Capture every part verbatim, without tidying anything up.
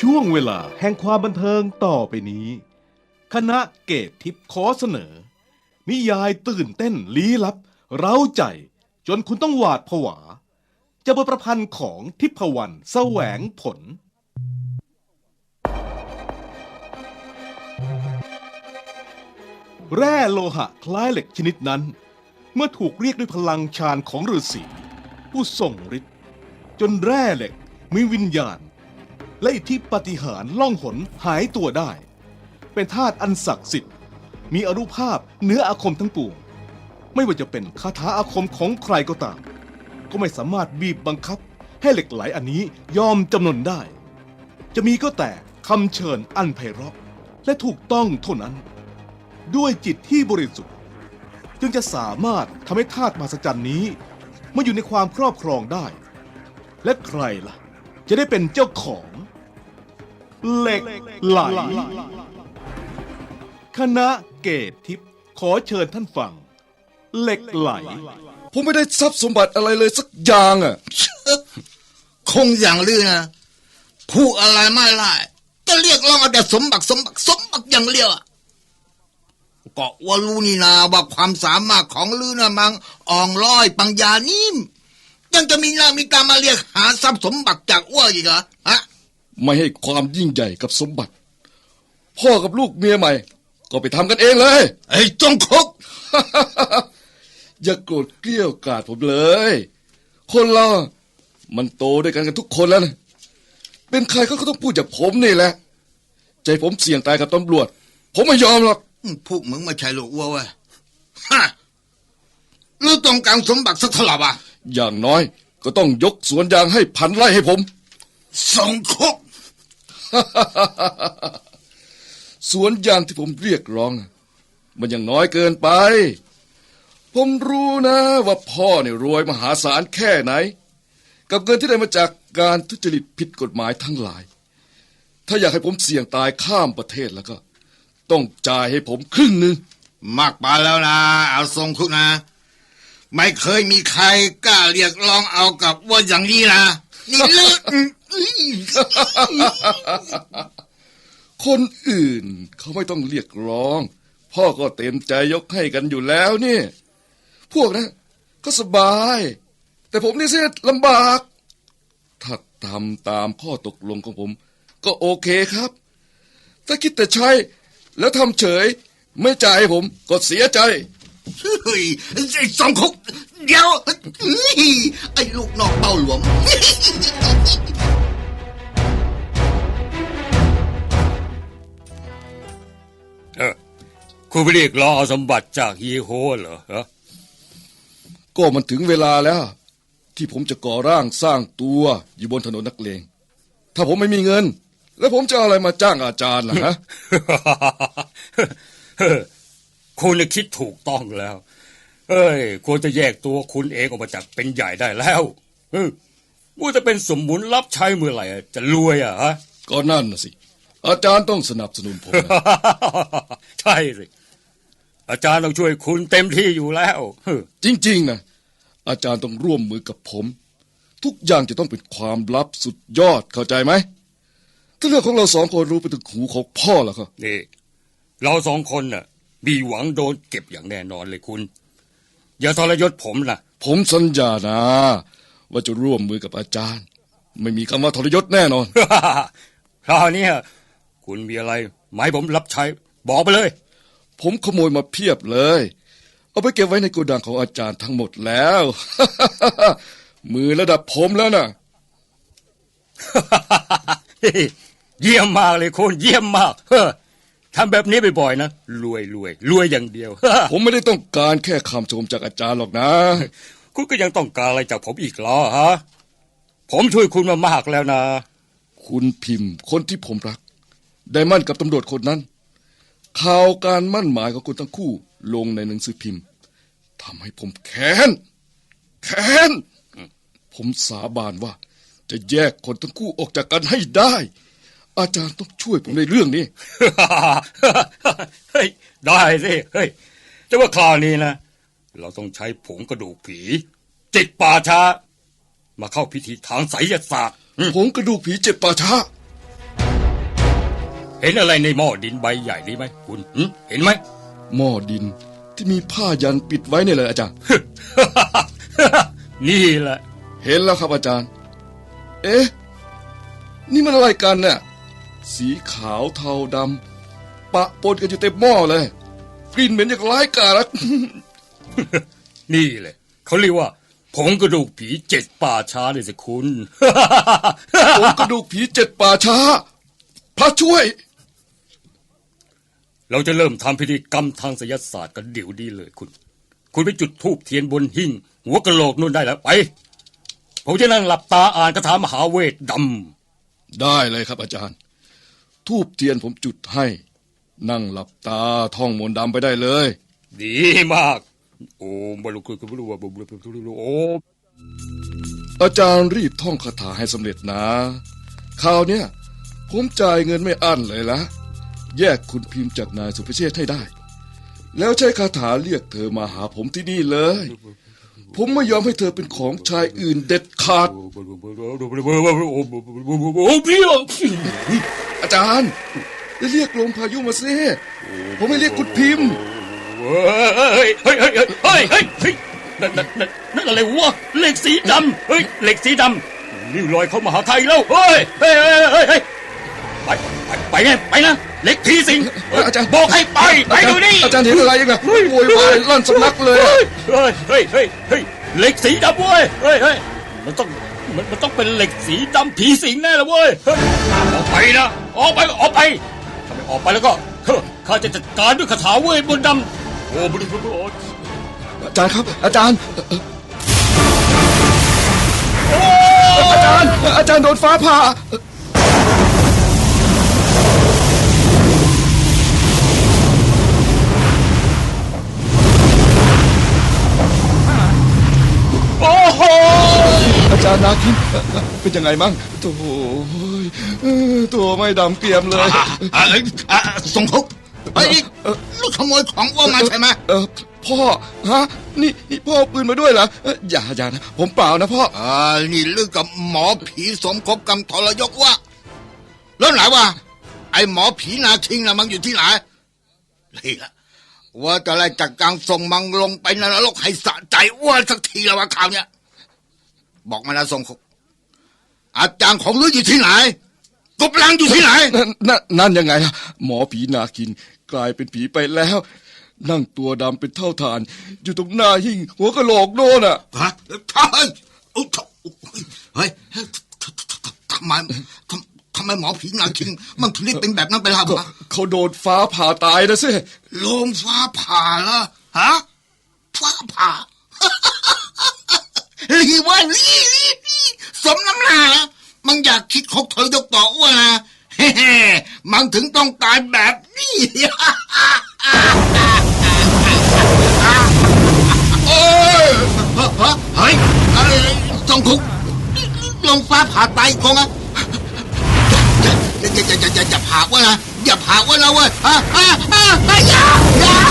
ช่วงเวลาแห่งความบันเทิงต่อไปนี้ คณะเกตทิพย์ขอเสนอ นิยายตื่นเต้นลี้ลับเร้าใจจนคุณต้องหวาดผวาจะบทประพันธ์ของทิพวรรณแสวงผล แร่โลหะคล้ายเหล็กชนิดนั้นเมื่อถูกเรียกด้วยพลังฌานของฤาษีผู้ทรงฤทธิ์จนแร่เหล็กมีวิญญาณและอิทธิปาฏิหาริย์ล่องหนหายตัวได้เป็นธาตุอันศักดิ์สิทธิ์มีอานุภาพเหนืออาคมทั้งปวงไม่ว่าจะเป็นคาถาอาคมของใครก็ตามก็ไม่สามารถบีบบังคับให้เหล็กไหลอันนี้ยอมจำนนได้จะมีก็แต่คำเชิญอันไพเราะและถูกต้องเท่านั้นด้วยจิตที่บริสุทธิ์จึงจะสามารถทำให้ธาตุมหัศจรรย์นี้มาอยู่ในความครอบครองได้และใครล่ะจะได้เป็นเจ้าของเหล็กไหลคณะเกตทิพย์ขอเชิญท่านฟังเหล็กไหลผมไม่ได้ทรัพย์สมบัติอะไรเลยสักอย่างอ่ะคงอย่างลือนะผู้อะไรไม่ไล่ก็เรียกร้องเอาแต่สมบัติสมบัติสมบัติอย่างเดียวก็ว่ารู้นี่นาว่าความสามารถของลือนะมังอ่องร้อยปัญญานิ่มยังจะมีหน้ามีตามาเรียกหาทรัพย์สมบัติจากอ้วอีกเหรอฮะไม่ให้ความยิ่งใหญ่กับสมบัติพ่อกับลูกเมียใหม่ก็ไปทำกันเองเลยไอ้จงคุกอย่าโกรธเกลี้ยวกล่อมผมเลยคนเรามันโตด้วยกันกันทุกคนแล้วนะเป็นใครเขาก็ต้องพูดจากผมนี่แหละใจผมเสี่ยงตายกับตำรวจผมไม่ยอมหรอกพวกมึงไม่ใช่ลูกอ้วเว้ยฮะลือต้องการสมบัติสักเท่าไหร่วะอย่างน้อยก็ต้องยกสวนยางให้พันไร่ให้ผมสองคุกสวนยางที่ผมเรียกร้องมันยังน้อยเกินไปผมรู้นะว่าพ่อเนี่ยรวยมหาศาลแค่ไหนกับเงินที่ได้มาจากการทุจริตผิดกฎหมายทั้งหลายถ้าอยากให้ผมเสี่ยงตายข้ามประเทศแล้วก็ต้องจ่ายให้ผมครึ่งหนึ่งมากไปแล้วนะเอาทรงคุกนะไม่เคยมีใครกล้าเรียกร้องเอากับว่าอย่างนี้นะนี่เลิกคนอื่นเขาไม่ต้องเรียกร้องพ่อก็เต็มใจยกให้กันอยู่แล้วนี่พวกนะก็สบายแต่ผมนี่เสียลำบากถ้าทำตามข้อตกลงของผมก็โอเคครับถ้าคิดแต่ใช้แล้วทำเฉยไม่จ่ายให้ผมก็เสียใจเฮ้ยไอ้สองคุกเดี๋ยวไอ้ลูกนอกเต้าหลวงเออคุณไปเรียกร้องเอาสมบัติจากฮีโฮเหรอฮะก็มันถึงเวลาแล้วที่ผมจะก่อร่างสร้างตัวอยู่บนถนนนักเลงถ้าผมไม่มีเงินแล้วผมจะเอาอะไรมาจ้างอาจารย์ล่ะฮะคุณคิดถูกต้องแล้วเอ้ยควรจะแยกตัวคุณเองออกมาจากเป็นใหญ่ได้แล้วเออว่าจะเป็นสมมุนรับใช้เมื่อไหร่จะรวยอ่ะฮะก็นั่นน่ะสิอาจารย์ต้องสนับสนุนผมใช่สิอาจารย์ต้องช่วยคุณเต็มที่อยู่แล้วจริงๆนะอาจารย์ต้องร่วมมือกับผมทุกอย่างจะต้องเป็นความลับสุดยอดเข้าใจไหมถ้าเรื่องของเราสองคนรู้ไปถึงหูของพ่อแล้วก็นี่เราสองคนน่ะมีหวังโดนเก็บอย่างแน่นอนเลยคุณอย่าทรยศผมนะผมสัญญานะว่าจะร่วมมือกับอาจารย์ไม่มีคำว่าทรยศแน่นอนคราวนี้คุณมีอะไรหมายผมรับใช้บอกไปเลยผมขโมยมาเพียบเลยเอาไปเก็บไว้ในโกดังของอาจารย์ทั้งหมดแล้ว มือระดับผมแล้วนะเยี่ยมมากเลยคุณเยี่ยมมากทำแบบนี้บ่อยๆนะรวยรวยรวยอย่างเดียวผมไม่ได้ต้องการแค่คำชมจากอาจารย์หรอกนะคุณก็ยังต้องการอะไรจากผมอีกเหรอฮะผมช่วยคุณมามากแล้วนะคุณพิมพ์คนที่ผมรักได้มั่นกับตำรวจคนนั้นข่าวการมั่นหมายของคุณทั้งคู่ลงในหนังสือพิมพ์ทำให้ผมแค้นแค้นผมสาบานว่าจะแยกคนทั้งคู่ออกจากกันให้ได้อาจารย์ต้องช่วยผมในเรื่องนี้เฮ้ยได้สิเฮ้ยแต่ว่าคราวนี้นะเราต้องใช้ผงกระดูกผีจิตป่าช้ามาเข้าพิธีทางไสยศาสตร์ผงกระดูกผีเจ็บป่าช้าเห็นอะไรในหม้อดินใบใหญ่นี้ไหมคุณหึเห็นไหมหม้อดินที่มีผ้ายันปิดไว้เนี่ยเลยอาจารย์นี่แหละเห็นแล้วครับอาจารย์ เอ๊ะ นี่มันอะไรกันเนี่ยสีขาวเทาดำปะปนกันอยู่เต็มหม้อเลยกลิ่นเหม็นอย่างร้ายกาจนี่แหละเขาเรียกว่าผงกระดูกผีเจ็ดป่าช้าเลยสิคุณผงกระดูกผีเจ็ดป่าช้าพระช่วยเราจะเริ่มทำพิธีกรรมทางไสยศาสตร์กันเดี๋ยวนี้เลยคุณ คุณไปจุดธูปเทียนบนหิ้งหัวกะโหลกนู่นได้แล้วไปผมจะนั่งหลับตาอ่านคาถามหาเวทดำได้เลยครับอาจารย์ทูบเทียนผมจุดให้ นั่งหลับตาท่องมนต์ดำไปได้เลยดีมากโอ้บรุกุบรุวะบรุกุบรุโออาจารย์รีบท่องคาถาให้สำเร็จนะคราวเนี้ยผมจ่ายเงินไม่อั้นเลยละแยกคุณพิมพ์จากนายสุภเชษฐ์ให้ได้ แล้วใช้คาถาเรียกเธอมาหาผมที่นี่เลย ผมไม่ยอมให้เธอเป็นของชายอื่นเด็ดขาด อาจารย์จะเรียกลมพายุมาซิผมไม่เรียกคุณพิมพ์เฮ้ยเฮ้ยเฮ้ยเฮ้ยเฮ้ยเฮ้ยนั่นนั่นนั่นนั่นอะไรวะเหล็กสีดำเฮ้ยเหล็กสีดำนี่ลอยเข้ามาหาไทยแล้วเฮ้ยเฮ้ยเฮ้ยเฮ้ยเฮ้ยไปไปไปไงไปนะเหล็กผีสิงอาจารย์บอกให้ไปไปดูนี่อาจารย์เห็นอะไรยังไงโวยวายลั่นสำนักเลยเฮ้ยเฮ้ยเฮ้ยเฮ้ยเหล็กสีดำเว้ยเฮ้ยเฮ้ยมันต้องมันมันต้องเป็นเหล็กสีดำผีสิงแน่เลยเว้ยเฮ้ยออกไปนะออกไปออกไปถ้าไม่ออกไปแล้วก็ข้าจะจัดการด้วยคาถาเวทมนต์ดำโอ้บริบทอาจารย์ครับอาจารย์อาจารย์อาจารย์โดนฟ้าผ่าโอ้โหอาจารย์นาคินเป็นยังไงมั่งโถ่ตัวไม่ดำเกรียมเลยส่งคุกไอ้ลูกขโมยของว่ามาใช่ไหมเออพ่อฮะนี่นี่พ่อปืนมาด้วยเหรออย่าอย่านะผมเปล่านะพ่ออ่านี่เรื่องกับหมอผีสมคบกรรมทรยศว่าแล้วไหนวะไอ้หมอผีนาคิงน่ะมันอยู่ที่ไหนนี่ละว่าจะไล่จัดการส่งมังลงไปนรกให้สะใจอ้วนสักทีแล้วว่าข่าวเนี้ยบอกมานะส่งคุกอาจารย์ของลืออยู่ที่ไหนกบลังอยู่ที่ไหนนั่นนั่นยังไงอะหมอผีนาคินกลายเป็นผีไปแล้วนั่งตัวดำเป็นเท่าฐานอยู่ตรงหน้าหิ้งหัวกะโหลกโน่นอ่ะฮะใช่เฮ้ยทำไมทำไมหมอผีนาคินมันถึงได้เป็นแบบนั้นไปล่ะวะเขาโดนฟ้าผ่าตายนะสิลมฟ้าผ่าละฮะฟ้าผ่าลีว่าลีลีลีสมน้ำหน้ามันอยากคิดคบเธอยกต่ออ้วนนะเฮ้มันถึงต้องตายแบบนี้โอ้ยเฮ้ยจงคุกลงฟ้าผ่าตายคงอ่ะอย่าอย่าอย่าอย่าอย่าผ่าว่านะอย่าผ่าว่านะเว้ยอ่ะอ่ะอ่ะอย่าอย่า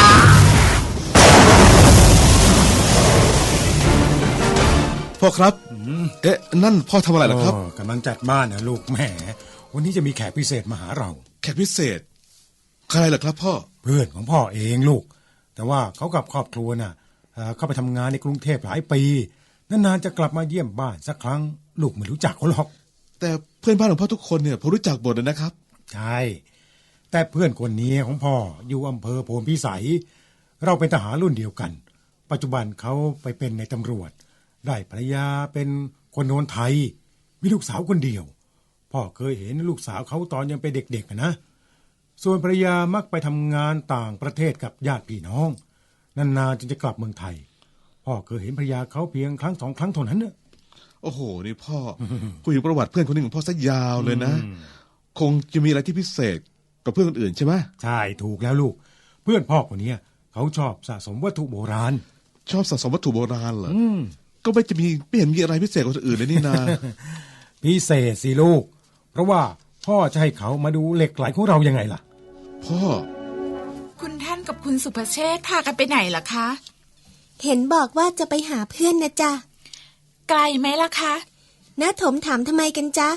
พ่อครับเอ๊ะนั่นพ่อทำอะไรล่ะครับกำลังจัดบ้านนะลูกแหมวันนี้จะมีแขกพิเศษมาหาเราแขกพิเศษใครล่ะครับพ่อเพื่อนของพ่อเองลูกแต่ว่าเขากับครอบครัวน่ะเข้าไปทำงานในกรุงเทพหลายปีนานๆจะกลับมาเยี่ยมบ้านสักครั้งลูกไม่รู้จักเขาหรอกแต่เพื่อนบ้านของพ่อทุกคนเนี่ยผมรู้จักหมดเลยนะครับใช่แต่เพื่อนคนนี้ของพ่ออยู่อำเภอโพนพิสัยเราเป็นทหารรุ่นเดียวกันปัจจุบันเขาไปเป็นในตำรวจได้ภรรยาเป็นคนโนนไทยมีลูกสาวคนเดียวพ่อเคยเห็นลูกสาวเขาตอนยังเป็นเด็กๆนะส่วนภรรยามักไปทำงานต่างประเทศกับญาติพี่น้องนานๆจึงจะกลับเมืองไทยพ่อเคยเห็นภรรยาเขาเพียงครั้งสองครั้งเท่านั้นเนอะโอ้โหนี่พ่อ คุยถึงประวัติเพื่อนคนนึงของพ่อซะยาวเลยนะคงจะมีอะไรที่พิเศษกับเพื่อนคนอื่นใช่ไหมใช่ถูกแล้วลูกเพื่อนพ่อคนนี้เขาชอบสะสมวัตถุโบราณชอบสะสมวัตถุโบราณเหรอก็ไม่จะมีไม่เห็นมีอะไรพิเศษกว่าคนอื่นเลยนี่นาพิเศษสิลูกเพราะว่าพ่อจะให้เขามาดูเหล็กไหลของเรายังไงล่ะพ่อคุณท่านกับคุณสุภเชษฐ์พากันไปไหนล่ะคะเห็นบอกว่าจะไปหาเพื่อนนะจ๊ะไกลไหมล่ะคะน้าถมถามทำไมกันจ๊ะ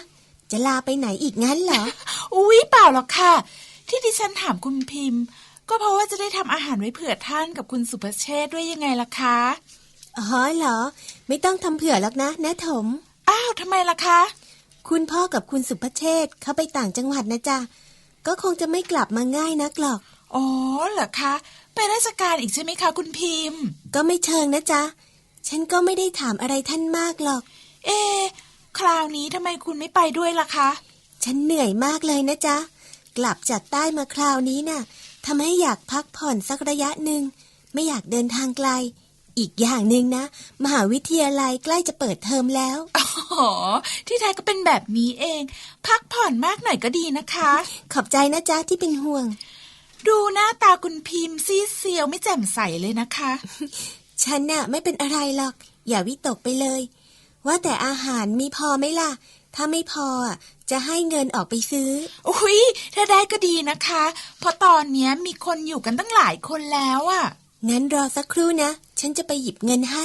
จะลาไปไหนอีกงั้นเหรออุ๊ยเปล่าหรอกค่ะ ที่ดิฉันถามคุณพิมพ์ ก็เพราะว่าจะได้ทำอาหารไว้เผื่อท่านกับคุณสุภเชษฐ์ด้วยยังไงล่ะคะอ๋อเหรอ ไม่ต้องทำเผื่อหรอกนะน้าถมอ้าวทำไมล่ะคะคุณพ่อกับคุณสุภเชษฐ์เขาไปต่างจังหวัดนะจ๊ะก็คงจะไม่กลับมาง่ายนักหรอกอ๋อเหรอคะไปราชการอีกใช่ไหมคะคุณพิมพ์ก็ไม่เชิงนะจ๊ะฉันก็ไม่ได้ถามอะไรท่านมากหรอกเอ๊ะคราวนี้ทำไมคุณไม่ไปด้วยล่ะคะฉันเหนื่อยมากเลยนะจ๊ะกลับจากใต้มาคราวนี้น่ะทำให้อยากพักผ่อนสักระยะหนึ่งไม่อยากเดินทางไกลอีกอย่างหนึ่งนะมหาวิทยาลัยใกล้จะเปิดเทอมแล้วอ๋อที่แท้ก็เป็นแบบนี้เอง พักผ่อนมากหน่อยก็ดีนะคะขอบใจนะจ๊ะที่เป็นห่วงดูหน้าตาคุณพิมพ์ซีดเซียวไม่แจ่มใสเลยนะคะฉันน่ะไม่เป็นอะไรหรอกอย่าวิตกไปเลยว่าแต่อาหารมีพอไหมล่ะถ้าไม่พออ่ะจะให้เงินออกไปซื้ออุ๊ยถ้าได้ก็ดีนะคะ เพราะตอนเนี้ยมีคนอยู่กันตั้งหลายคนแล้วอะงั้นรอสักครู่นะฉันจะไปหยิบเงินให้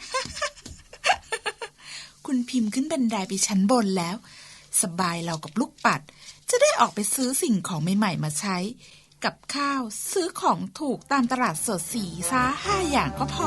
คุณพิมพ์ขึ้นบันไดไปชั้นบนแล้ว สบายเรากับลูกปัด จะได้ออกไปซื้อสิ่งของใหม่ๆมาใช้ กับข้าวซื้อของถูกตามตลาดสดสีซาห้าอย่างก็พอ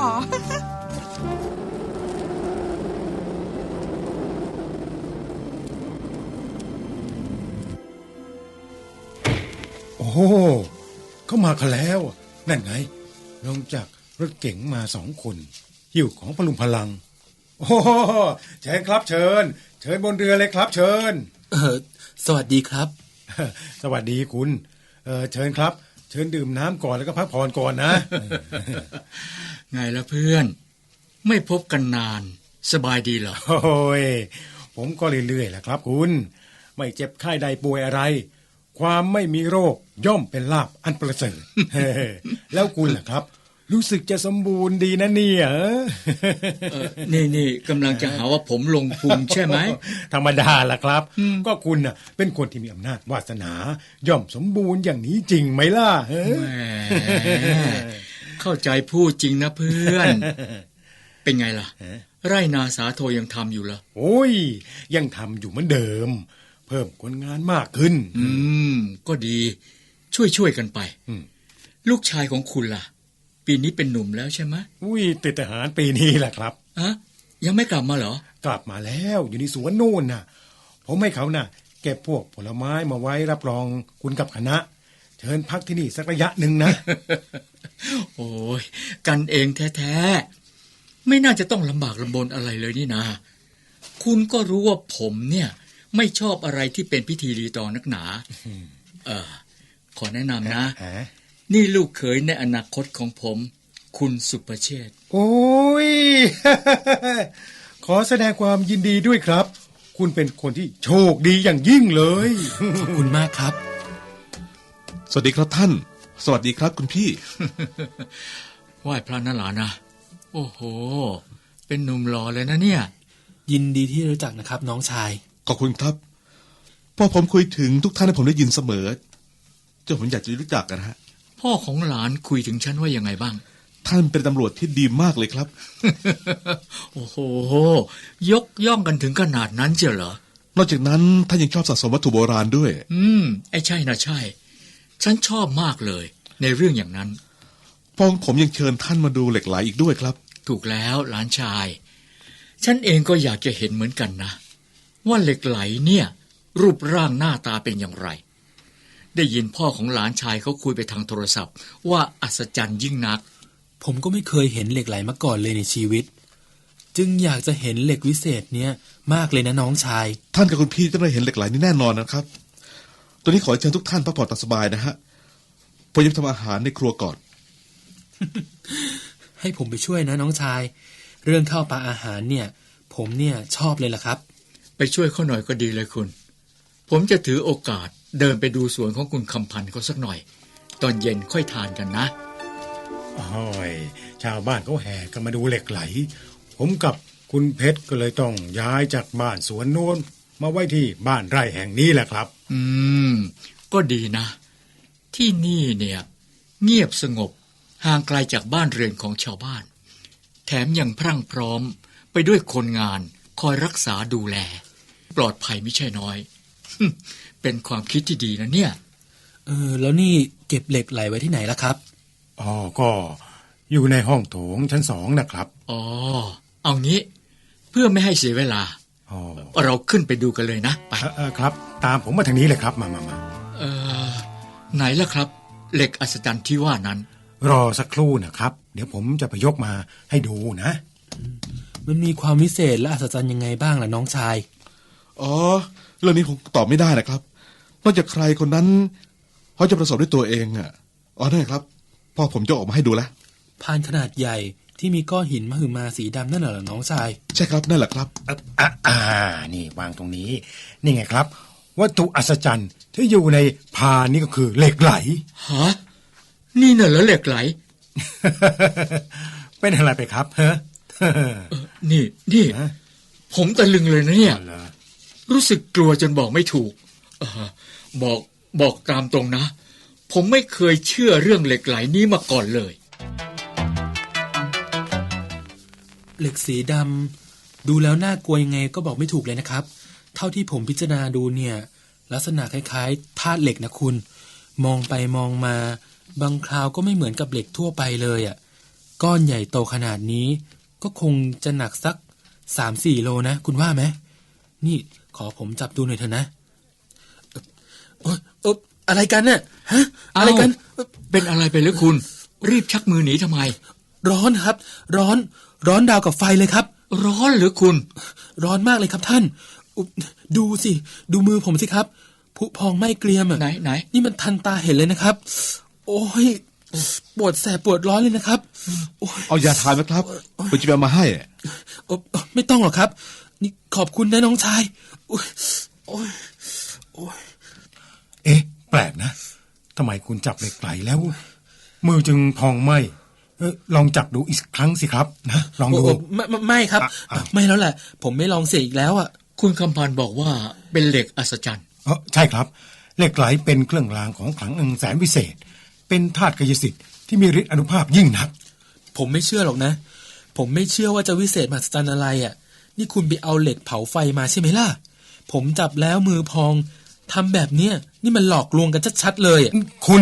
โอ้โหเข้ามากันแล้วนั่นไงลงจากรถเก๋งมาสองคนหิ้วของพลุงพลังโอ้โหเชิญครับเชิญเชิญบนเรือเลยครับเชิญเออสวัสดีครับสวัสดีคุณเออเชิญครับเชิญดื่มน้ำก่อนแล้วก็พักผ่อนก่อนนะไงล่ะเพื่อน ไม่พบกันนานสบายดีเหรอโอ้ยผมก็เรื่อยๆแหละครับคุณไม่เจ็บไข้ใดป่วยอะไรความไม่มีโรคย่อมเป็นลาภอันประเสริฐ แล้วคุณล่ะครับรู้สึกจะสมบูรณ์ดีนะเนี่ยเออนี่นี่กำลังจะหาว่าผมลงพุงใช่ไหมธรรมดาล่ะครับก็คุณน่ะเป็นคนที่มีอำนาจวาสนา ย่อมสมบูรณ์อย่างนี้จริงไหมล่ะแหมเข้าใจพูดจริงนะเพื่อน เป็นไงล่ะ ไร่นาสาโทยังทำอยู่เหรอโอ้ยยังทำอยู่เหมือนเดิม เพิ่มคนงานมากขึ้นอืมก็ดีช่วยช่วยกันไปอืมลูกชายของคุณล่ะ ปีนี้เป็นหนุ่มแล้วใช่ไหมอุ้ยติดทหารปีนี้แหละครับอะยังไม่กลับมาเหรอกลับมาแล้วอยู่ในสวนโน่นน่ะผมให้เขาน่ะเก็บพวกผลไม้มาไว้รับรองคุณกับคณะ เชิญพักที่นี่สักระยะหนึ่งนะโอ้ยกันเองแท้ๆไม่น่าจะต้องลำบากลำบนอะไรเลยนี่นาคุณก็รู้ว่าผมเนี่ยไม่ชอบอะไรที่เป็นพิธีรีตองนักหนาเออขอแนะนำนะ นี่ลูกเขยในอนาคตของผม คุณสุประเชษฐ์โอ้ย ขอแสดงความยินดีด้วยครับ คุณเป็นคนที่โชคดีอย่างยิ่งเลยขอบคุณมากครับสวัสดีครับท่าน สวัสดีครับคุณพี่ไหว้พระนั่นหลานะโอ้โหเป็นหนุ่มหล่อเลยนะเนี่ยยินดีที่รู้จักนะครับน้องชายขอบคุณครับพอผมคุยถึงทุกท่านให้ผมได้ยินเสมอจนผมอยากจะรู้จักกันฮะพ่อของหลานคุยถึงฉันว่ายังไงบ้างท่านเป็นตำรวจที่ดีมากเลยครับโอ้โหยกย่องกันถึงขนาดนั้นเจียวเหรอนอกจากนั้นท่านยังชอบสะสมวัตถุโบราณด้วยอืมไอ้ใช่นะใช่ ฉันชอบมากเลยในเรื่องอย่างนั้นพ่อของผมยังเชิญท่านมาดูเหล็กไหลอีกด้วยครับถูกแล้วหลานชาย ฉันเองก็อยากจะเห็นเหมือนกันนะว่าเหล็กไหลเนี่ย รูปร่างหน้าตาเป็นอย่างไร ได้ยินพ่อของหลานชายเขาคุยไปทางโทรศัพท์ว่าอัศจรรย์ยิ่งนักผมก็ไม่เคยเห็นเหล็กไหลมาก่อนเลยในชีวิต จึงอยากจะเห็นเหล็กวิเศษเนี้ยมากเลยนะน้องชายท่านกับคุณพี่จะได้เห็นเหล็กไหลนี่แน่นอนนะครับตอนนี้ขอเชิญทุกท่านพักผ่อนตามสบายนะฮะผมจะทำอาหารในครัวก่อนให้ผมไปช่วยนะน้องชาย เรื่องข้าวปลาอาหารเนี่ย ผมเนี่ยชอบเลยล่ะครับไปช่วยเขาหน่อยก็ดีเลยคุณ ผมจะถือโอกาสเดินไปดูสวนของคุณคำพันธ์เขาสักหน่อย ตอนเย็นค่อยทานกันนะโอ้ยชาวบ้านเขาแห่กันมาดูเหล็กไหลผมกับคุณเพชรก็เลยต้องย้ายจากบ้านสวนโน้นมาไว้ที่บ้านไร่แห่งนี้แหละครับอืมก็ดีนะ ที่นี่เนี่ยเงียบสงบห่างไกลจากบ้านเรือนของชาวบ้านแถมยังพรั่งพร้อมไปด้วยคนงานคอยรักษาดูแลปลอดภัยไม่ใช่น้อยเป็นความคิดที่ดีนะเนี่ยเออ แล้วนี่เก็บเหล็กไหลไว้ที่ไหนล่ะครับอ๋อ ก็อยู่ในห้องโถงชั้นสองนะครับอ๋อ เอางี้ เพื่อไม่ให้เสียเวลาอ๋อเราขึ้นไปดูกันเลยนะ ไปเอ่อเอ่อครับ ตามผมมาทางนี้เลยครับ มามามาเออไหนล่ะครับ เหล็กอัศจรรย์ที่ว่านั้นรอสักครู่นะครับ เดี๋ยวผมจะไปยกมาให้ดูนะมันมีความวิเศษและอัศจรรย์ยังไงบ้างล่ะน้องชายอ๋อ เรื่องนี้ผมตอบไม่ได้นะครับ นอกจากใครคนนั้นเขาจะประสบด้วยตัวเองอ่ะ อ๋อนั่นครับ พ่อผมจะออกมาให้ดูแล้วพานขนาดใหญ่ที่มีก้อนหินมหึมาสีดำนั่นเหรอน้องชายใช่ครับนั่นแหละครับอ่ะอ่ะอ่า นี่วางตรงนี้ นี่ไงครับ วัตถุอัศจรรย์ที่อยู่ในพานนี่ก็คือเหล็กไหลฮะ นี่น่ะเหรอเหล็กไหลเป็นอะไรไปครับเฮ้เออนี่ นี่ ผมตะลึงเลยนะเนี่ย รู้สึกกลัวจนบอกไม่ถูกเออบอกบอกตามตรงนะ ผมไม่เคยเชื่อเรื่องเหล็กไหลนี้มาก่อนเลยเหล็กสีดำดูแล้วน่ากลัวยังไงก็บอกไม่ถูกเลยนะครับ เท่าที่ผมพิจารณาดูเนี่ย ลักษณะคล้ายๆธาตุเหล็กนะคุณ มองไปมองมา บางคราวก็ไม่เหมือนกับเหล็กทั่วไปเลยอ่ะก้อนใหญ่โตขนาดนี้ ก็คงจะหนักสักสามสี่โลนะคุณว่าไหมนี่ขอผมจับดูหน่อยเถอะนะเออเอออะไรกันเนี่ยฮะอะไรกันเป็นอะไรไปหรือคุณ รีบชักมือหนีทำไมร้อนครับ ร้อนร้อนดาวกับไฟเลยครับร้อนหรือคุณร้อนมากเลยครับท่านอุ๊ยดูสิ ดูมือผมสิครับผุพองไหม้เกรียมอ่ะไหนไหนนี่มันทันตาเห็นเลยนะครับ โอ้ยปวดแสบปวดร้อนเลยนะครับโอ้ยเอายาทานไหมครับผมจะไปเอามาให้โอ้ไม่ต้องหรอกครับ นี่ขอบคุณนะน้องชายโอ้ยโอ้ยโอ้ยเอ๊ะ แปลกนะทำไมคุณจับเหล็กไหลแล้ว มือจึงพองไหมเออลองจับดูอีกครั้งสิครับนะลองดูโไม่ไม่ไม่ครับอ่ะอ่ะไม่แล้วแหละ ผมไม่ลองเสียอีกแล้วอ่ะคุณคำพันธ์บอกว่าเป็นเหล็กอัศจรรย์เออใช่ครับเหล็กไหลเป็นเครื่องรางของขลังอันแสนวิเศษ เป็นธาตุกายสิทธิ์ที่มีฤทธิ์อานุภาพยิ่งนักผมไม่เชื่อหรอกนะ ผมไม่เชื่อว่าจะวิเศษมหัศจรรย์อะไรอ่ะ นี่คุณไปเอาเหล็กเผาไฟมาใช่ไหมล่ะ ผมจับแล้วมือพองทำแบบเนี้ยนี่มันหลอกลวงกันชัดๆเลยอะคุณ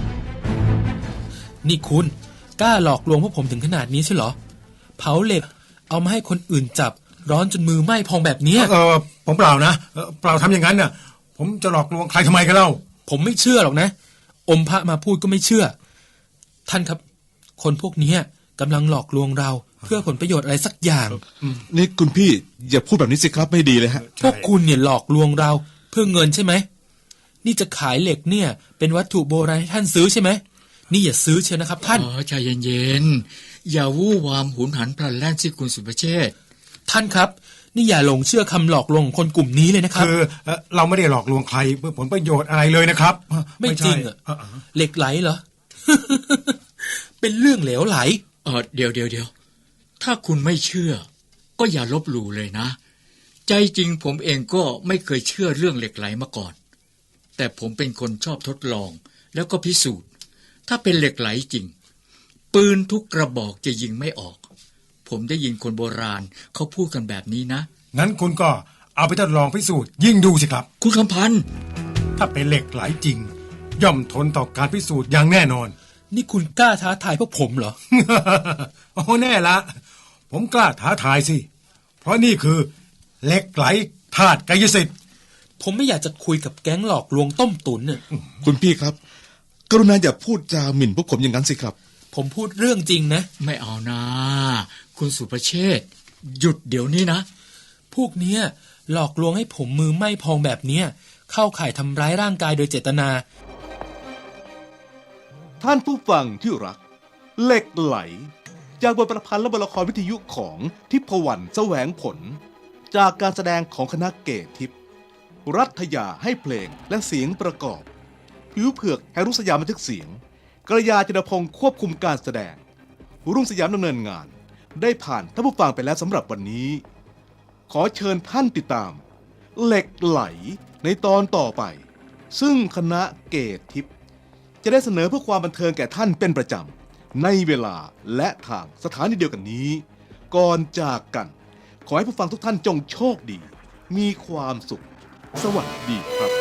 นี่คุณกล้าหลอกลวงพวกผมถึงขนาดนี้ใช่เหรอ เผาเหล็กเอามาให้คนอื่นจับ ร้อนจนมือไหม้พองแบบเนี้ยเออผมเปล่านะเอ่อเปล่าทำอย่างนั้นน่ะ ผมจะหลอกลวงใครทำไมกันเล่าผมไม่เชื่อหรอกนะ อมพระมาพูดก็ไม่เชื่อ ท่านครับ คนพวกนี้กำลังหลอกลวงเราเพื่อผลประโยชน์อะไรสักอย่างนี่คุณพี่อย่าพูดแบบนี้สิครับไม่ดีเลยฮะพวกคุณเนี่ยหลอกลวงเราเพื่อเงินใช่ไหม นี่จะขายเหล็กเนี่ย เป็นวัตถุโบราณให้ท่านซื้อใช่ไหม นี่อย่าซื้อเชียวนะครับท่านอ๋อใจเย็นๆ อย่าวู่วามหุนหันพลันแล่นสิคุณสุภเชษฐ์ท่านครับ นี่อย่าหลงเชื่อคำหลอกลวงของคนกลุ่มนี้เลยนะครับคือเอ่อเราไม่ได้หลอกลวงใครเพื่อผลประโยชน์อะไรเลยนะครับไม่จริงเหรอใช่เออเหล็กไหลเหรอ เป็นเรื่องเหลวไหลเออเดี๋ยวเดี๋ยวเดี๋ยวถ้าคุณไม่เชื่อ ก็อย่าลบหลู่เลยนะ ใจจริงผมเองก็ไม่เคยเชื่อเรื่องเหล็กไหลมาก่อน แต่ผมเป็นคนชอบทดลอง แล้วก็พิสูจน์ ถ้าเป็นเหล็กไหลจริง ปืนทุกกระบอกจะยิงไม่ออก ผมได้ยินคนโบราณเขาพูดกันแบบนี้นะงั้นคุณก็เอาไปทดลองพิสูจน์ยิ่งดูสิครับคุณคำพันธ์ถ้าเป็นเหล็กไหลจริง ย่อมทนต่อการพิสูจน์อย่างแน่นอนนี่คุณกล้าท้าทายพวกผมเหรอโอ้แน่ละ ผมกล้าท้าทายสิ เพราะนี่คือเหล็กไหลธาตุกายสิทธิ์ผมไม่อยากจะคุยกับแก๊งหลอกลวงต้มตุ๋นเนี่ยคุณพี่ครับ กรุณาอย่าพูดจาหมิ่นพวกผมอย่างนั้นสิครับผมพูดเรื่องจริงนะไม่เอานะคุณสุภเชษฐ์หยุดเดี๋ยวนี้นะพวกเนี้ยหลอกลวงให้ผมมือไหม้พองแบบเนี้ยเข้าข่ายทำร้ายร่างกายโดยเจตนาท่านผู้ฟังที่รัก เหล็กไหล จากบทประพันธ์และบทละครวิทยุของทิพวรรณแสวงผล จากการแสดงของคณะเกตทิพย์รัฐยาให้เพลงและเสียงประกอบผิวเผือกแห่งรุ่งสยามบันทึกเสียงกระยาจินพงศ์ควบคุมการแสดงรุ่งสยามดำเนินงานได้ผ่านท่านผู้ฟังไปแล้วสำหรับวันนี้ ขอเชิญท่านติดตาม เหล็กไหลในตอนต่อไป ซึ่งคณะเกตทิพย์จะได้เสนอเพื่อความบันเทิงแก่ท่านเป็นประจำในเวลาและทางสถานีเดียวกันนี้ ก่อนจากกัน ขอให้ผู้ฟังทุกท่านจงโชคดี มีความสุขสวัสดีครับ